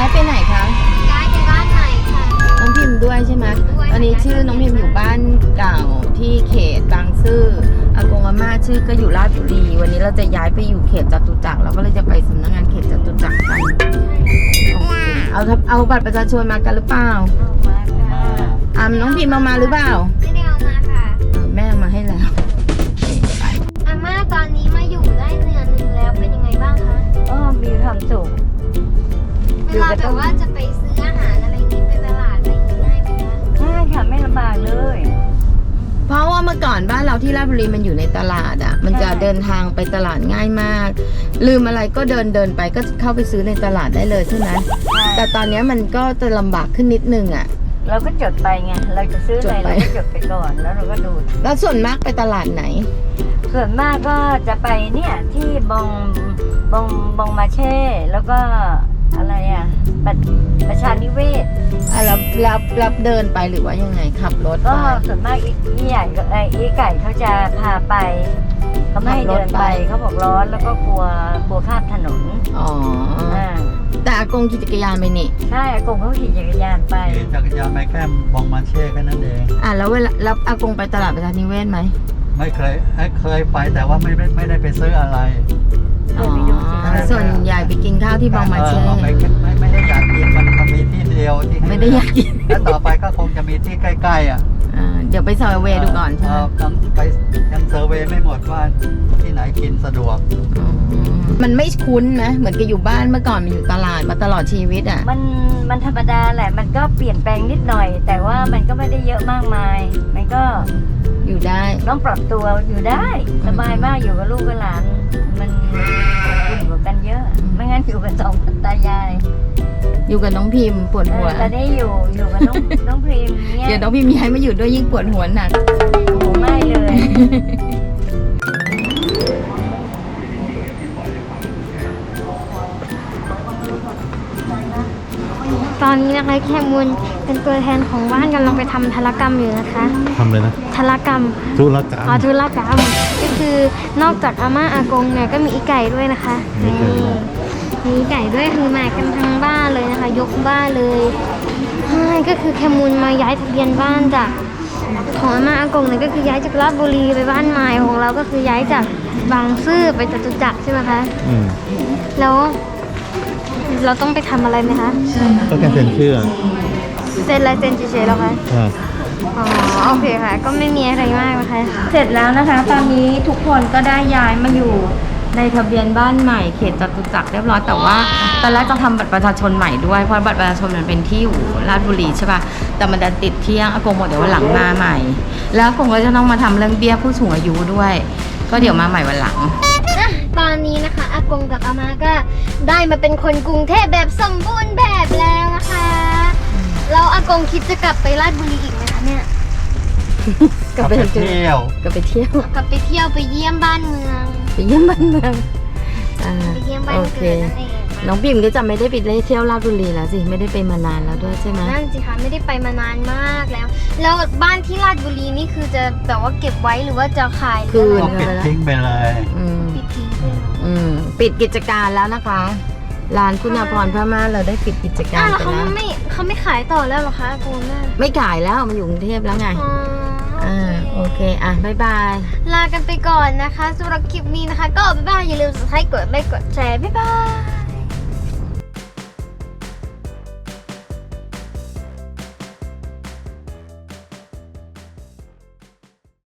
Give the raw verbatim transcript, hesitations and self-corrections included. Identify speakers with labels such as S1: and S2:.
S1: ไปไหนคะ
S2: ย้ายไปบ้านใหม่ค่ะ
S1: น้องพิมพ์ด้วยใช่ไหมตอนนี้ชื่อน้องพิมพ์อยู่บ้านเก่าที่เขตบางซื่ออากงอาม่าชื่อก็อยู่ราชบุรีวันนี้เราจะย้ายไปอยู่เขตจตุจักรเราก็เลยจะไปสำนักงานเขตจตุจักรกันเอาเอาบัตรประชาชนมากันหรือเปล่าอ่าน้องพิมพ์เอามาหรือเปล่า
S2: ไม่ได้เอามาค่ะ
S1: แม่เอามาให้แล้ว
S2: อาม่าตอนนี้มาอยู่ได้เดือนหนึ่งแล้วเป็นยังไงบ้างคะ
S3: ก็มีความสุข
S2: เวลาแบบว่าจะไปซื้ออาหารอะไรนี้ไปตลาดอะไรนี้ง่ายไหมคะ
S3: ง่ายค่ะไม่ลำบากเลย
S1: เพราะว่าเมื่อก่อนบ้านเราที่ราชบุรีมันอยู่ในตลาดอ่ะมันจะเดินทางไปตลาดง่ายมากลืมอะไรก็เดินเดินไปก็เข้าไปซื้อในตลาดได้เลยใช่ไหมแต่ตอนนี้มันก็จะลำบากขึ้นนิดนึงอ่ะ
S3: เราก็จดไปไงเราจะซื้ออะไรเราก็จดไปก่อนแล้วเราก็ดู
S1: แล้วส่วนมากไปตลาดไหน
S3: ส่วนมากก็จะไปเนี่ยที่บองบองบองมาเช่แล้วก็อะไรอ่ะประประชานิเวศ
S1: อ่ะรับรับรับเดินไปหรือว่ายังไงขับรถ
S3: ก็ส่วนมากอีใหญ่ไอ้อีไก่เขาจะพาไปเขาไม่ให้เดินไปเขาบอกร้อนแล้วก็กลัวกลัวข้ามถนน
S1: อ๋อแต่อากงขี่จักรยานไปนี่
S3: ใช่อากงเขาขี่จักรยานไป
S4: ขี่จักรยานไปแค่บองมาเช่แค่นั้นเอง
S1: อ่ะแล้วเวลาแล้วอากงไปตลาดประชานิเวศไหม
S4: ไม่เคยเคยไปแต่ว่าไม่ไม่ได้ไปซื้ออะไร
S1: อ๋อส่วนใหญ่ไปกินข้าวที่บองมาเช่
S4: ไม่ไม่ไม่ได้อยากกินมันมันมีที่เดียวที่
S1: ไม่ได้อยากกิน
S4: แล้วต่อไปก็คงจะมีที่ใกล้ๆอ่ะ
S1: เดี๋ยวไปเซอร์เวย์ดูก่อนใช่ไหม
S4: ยังไปยังเซอร์เวย์ไม่หมดว่าที่ไหนกินสะดวก
S1: มันไม่คุ้นนะเหมือนกับอยู่บ้านเมื่อก่อนมันอยู่ตลาดมาตลอดชีวิตอ่ะ
S3: มันมันธรรมดาแหละมันก็เปลี่ยนแปลงนิดหน่อยแต่ว่ามันก็ไม่ได้เยอะมากมายมันก็
S1: อยู่ได้
S3: ต้องปรับตัวอยู่ได้สบายมากอยู่กับลูกกับหลานมันอุ่นกว่ากันเยอะไม่งั้นอยู่กับสองตายาย
S1: อยู่กับน้องพิมพ์ปวดหัว
S3: ตอนนี้อยู่อยู่กับน้องน้องพิมพ์เนี่ย
S1: เดี๋ยวน้องพิมพ์ย้ายมาอยู่ด้วยยิ่งปวดหัวหนัก
S3: โอ้ไม่เลย
S2: ตอนนี้นะคะแคมูลเป็นตัวแทนของบ้านกำลังไปทำธุรกรรมอยู่นะคะ
S5: ทำเลยนะ
S2: ธุรกรรม
S5: ธุรกรรม
S2: อ๋อธุรกรรมก็คือนอกจากอาม่าอากงเนี่ยก็มีอีไก่ด้วยนะคะมีไก่ด้วยคือมากันทั้งบ้านเลยนะคะยกบ้านเลยใช่ก็คือแคมูลมาย้ายทะเบียนบ้านจากของอาม่าอากงเนี่ยก็คือย้ายจากราชบุรีไปบ้านใหม่ของเราก็คือย้ายจากบางซื่อไปจตุจักรใช่ไหมคะ
S5: อืม
S2: แล้วเราต้องไปทำอะไรไหมคะ
S5: ก็แค่เซ็นชื่อ
S2: เซ็นอะไรเซ็นเฉยๆหรอคะ
S5: อ๋
S2: อโอเคค่ะก็ไม่มีอะไรมากนะคะเสร็จแล้วนะคะตอนนี้ทุกคนก็ได้ย้ายมาอยู่ในทะเบียนบ้านใหม่เขตจตุจักรเรียบร้อยแต่ว่าตอนแรกต้องทำบัตรประชาชนใหม่ด้วยเพราะบัตรประชาชนมันเป็นที่อยู่ราชบุรีใช่ป่ะแต่มันจะติดเที่ยงอากงบอกเดี๋ยววันหลังมาใหม่แล้วอากงก็จะต้องมาทำเรื่องเบี้ยผู้สูงอายุด้วยก็เดี๋ยวมาใหม่วันหลังตอนนี้นะคะอากงกับอาม่าก็ได้มาเป็นคนกรุงเทพแบบสมบูรณ์แบบแล้วนะคะแล้วอากงคิดจะกลับไปราชบุรีอีกไหมคะเนี่ย
S4: กลับไปเที่ยว
S1: กลับไปเที่ยว
S2: กลับไปเที่ยวไปเยี่ยมบ้านเมือง
S1: ไปเยี่ยมบ้านเมือง
S2: ไปเยี่ยมบ้านเกิดนั่นเอง
S1: น้องพิมก็จะไม่ได้ไปเที่ยวราชบุรีแล้วสิไม่ได้ไปมานานแล้วด้วยใช่ไหม
S2: นั่นสิคะไม่ได้ไปมานานมากแล้วแล้วบ้านที่ราชบุรีนี่คือจะแบบว่าเก็บไว้หรือว่าจะขาย
S1: คืน
S4: ปิดทิ้งไปเลย
S2: ปิดทิ้งไปเลย
S1: ปิดกิจการแล้วนะคะร้านคุณาภรณ์พม่าเราได้ปิดกิจการไปแล้ว
S2: เขาไม่เขาไม่ขายต่อแล้วหรอคะอากงแม่
S1: ไม่ขายแล้วมาอยู่กรุงเทพแล้วไงอ่าโอเคอ่ะบ๊ายบาย
S2: ลากันไปก่อนนะคะสำหรับคลิปนี้นะคะก็บ๊ายบายอย่าลืม subscribe กดไลค์กดแชร์บ๊ายบาย